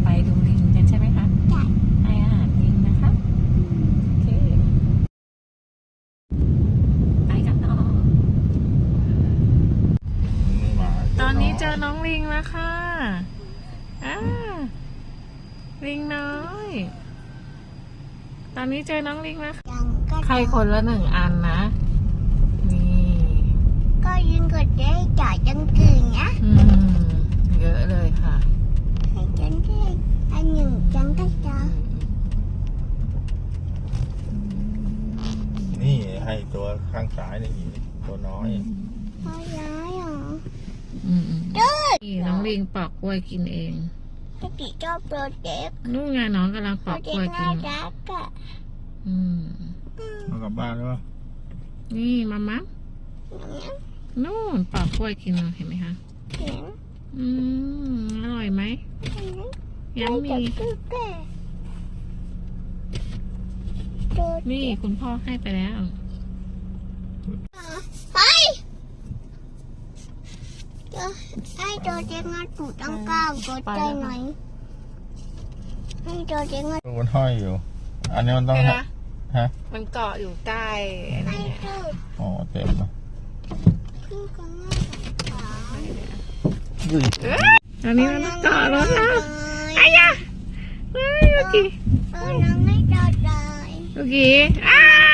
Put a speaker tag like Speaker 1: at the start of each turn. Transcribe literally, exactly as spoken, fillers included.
Speaker 1: ไปดูลิงกันใช่ไหมคะ
Speaker 2: ใช่
Speaker 1: ให้อาหารลิงนะคะโอเคไปกันต่อตอนนี้เจอน้องลิงแล้วค่ะอ่าลิงน้อยตอนนี้เจอน้องลิงแล้ว
Speaker 2: ยังก็
Speaker 1: ใครคนละหนึ่งอันนะนี่
Speaker 2: ก็ยิงกดได้จ่ายจังกืนนะ
Speaker 1: อืมเยอะเลยค่ะ
Speaker 2: ให้จังได้อันหนึ่งจังก็จะ
Speaker 3: นี่ให้ตัวข้างซ้ายนี่อีกตัวน้อย
Speaker 2: พอย้ายเหรอ
Speaker 1: อืมๆนี่น้องลิงปอกกล้วยกินเอง
Speaker 2: ถ้าติชอบโปรเจกต์
Speaker 1: นู่นไงน้องกำลังป
Speaker 2: โปร
Speaker 1: อก
Speaker 2: เจ
Speaker 1: ก
Speaker 2: ก
Speaker 1: ล้วย
Speaker 2: ต์
Speaker 1: กิ
Speaker 2: น่าน รักอะ
Speaker 1: อืม
Speaker 3: เอากลับบ้านแล้ว
Speaker 1: นี่มามัมนู่นปอกกล้วยกินเห็นไหมคะ
Speaker 2: เห็น
Speaker 1: อืมอร่อยไหม
Speaker 2: เห็น
Speaker 1: ยังมี
Speaker 2: คือแก่โปรเจ
Speaker 1: นี่
Speaker 2: กต์
Speaker 1: คุณพ่อให้ไปแล้ว
Speaker 2: ไปจะให้โปรเจกต์งานถูกตั้งเก้ากดใจหน่อยให้โปรเจกต์งาน
Speaker 3: มันห้อยอยู่ อันนี้มันต้อง
Speaker 1: เห็นไหม
Speaker 3: ฮะ
Speaker 1: มันเกาะอยู่ใต้อะไร
Speaker 2: ให้
Speaker 1: เนี่ย
Speaker 2: ถูก
Speaker 3: อ๋อเต็มแล้ว
Speaker 2: ขึ้นกันง่ายกว่า
Speaker 3: อุ้ย
Speaker 1: ตอนนี้มันเกาะรถแล้วไอ้ยะเฮ้ยเมื่อกี้
Speaker 2: เออน้องไม่จอดเลย
Speaker 1: เมื่อกี้อ้า